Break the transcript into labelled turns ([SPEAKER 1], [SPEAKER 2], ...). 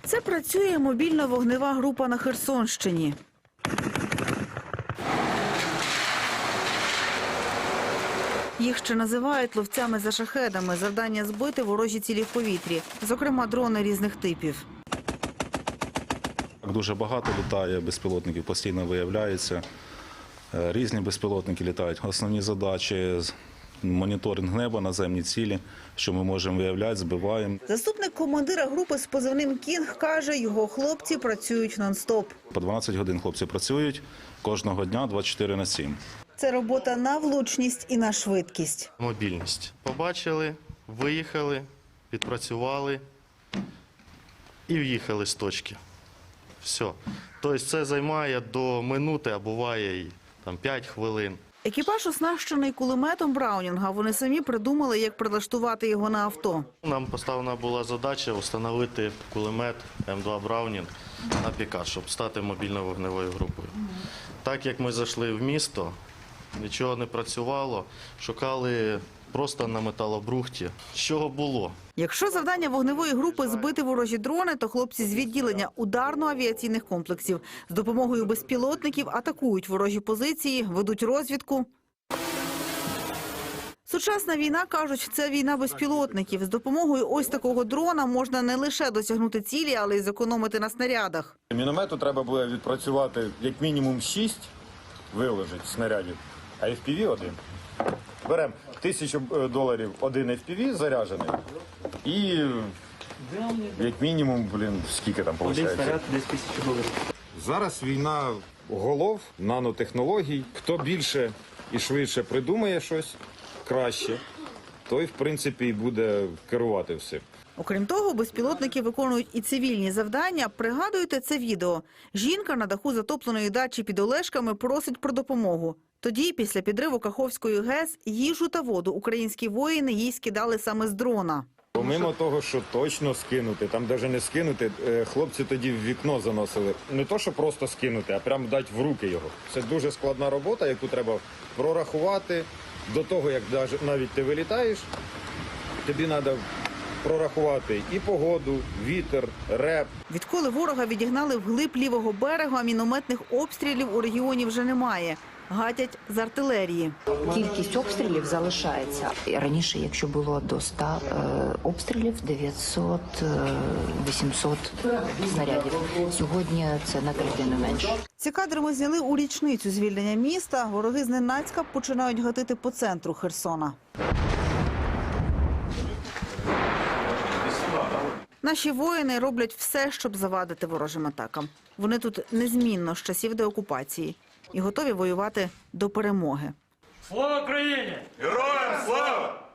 [SPEAKER 1] Це працює мобільна вогнева група на Херсонщині. Їх ще називають ловцями за шахедами. Завдання – збити ворожі цілі в повітрі, зокрема дрони різних типів.
[SPEAKER 2] Дуже багато літає безпілотників, постійно виявляється. Різні безпілотники літають. Основні задачі – моніторинг неба, наземні цілі, що ми можемо виявляти, збиваємо.
[SPEAKER 1] Заступник командира групи з позивним «Кінг» каже, його хлопці працюють нон-стоп.
[SPEAKER 2] По 12 годин хлопці працюють кожного дня 24/7.
[SPEAKER 1] Це робота на влучність і на швидкість.
[SPEAKER 3] Мобільність. Побачили, виїхали, відпрацювали і в'їхали з точки. Все. Тобто це займає до минути, а буває і 5 хвилин.
[SPEAKER 1] Екіпаж оснащений кулеметом Браунінга. Вони самі придумали, як прилаштувати його на авто.
[SPEAKER 3] Нам поставлена була задача встановити кулемет М2 Браунінг на пікап, щоб стати мобільною вогневою групою. Так як ми зайшли в місто, нічого не працювало, шукали просто на металобрухті. З чого було?
[SPEAKER 1] Якщо завдання вогневої групи – збити ворожі дрони, то хлопці з відділення ударно-авіаційних комплексів з допомогою безпілотників атакують ворожі позиції, ведуть розвідку. Сучасна війна, кажуть, це війна безпілотників. З допомогою ось такого дрона можна не лише досягнути цілі, але й зекономити на снарядах.
[SPEAKER 4] Міномету треба буде відпрацювати як мінімум 6 виложить снарядів, а FPV – 1. Беремо $1000 один FPV заряджений і як мінімум, скільки там виходить?
[SPEAKER 5] Один снаряд десь $1000.
[SPEAKER 4] Зараз війна голов, нанотехнологій. Хто більше і швидше придумає щось краще, той, в принципі, і буде керувати всім.
[SPEAKER 1] Окрім того, безпілотники виконують і цивільні завдання. Пригадуєте це відео? Жінка на даху затопленої дачі під Олешками просить про допомогу. Тоді, після підриву Каховської ГЕС, їжу та воду українські воїни їй скидали саме з дрона.
[SPEAKER 4] Помимо того, що точно скинути, там навіть не скинути, хлопці тоді в вікно заносили. Не то, що просто скинути, а прямо дати в руки його. Це дуже складна робота, яку треба прорахувати. До того, як навіть ти вилітаєш, тобі треба прорахувати і погоду, вітер, реп.
[SPEAKER 1] Відколи ворога відігнали вглиб лівого берега, мінометних обстрілів у регіоні вже немає. Гатять з артилерії.
[SPEAKER 6] Кількість обстрілів залишається. Раніше, якщо було до 100 обстрілів, 900-800 снарядів. Сьогодні це на третину менше.
[SPEAKER 1] Ці кадри ми зняли у річницю звільнення міста. Вороги зненацька починають гатити по центру Херсона. Наші воїни роблять все, щоб завадити ворожим атакам. Вони тут незмінно з часів деокупації і готові воювати до перемоги.
[SPEAKER 7] Слава Україні!
[SPEAKER 8] Героям слава!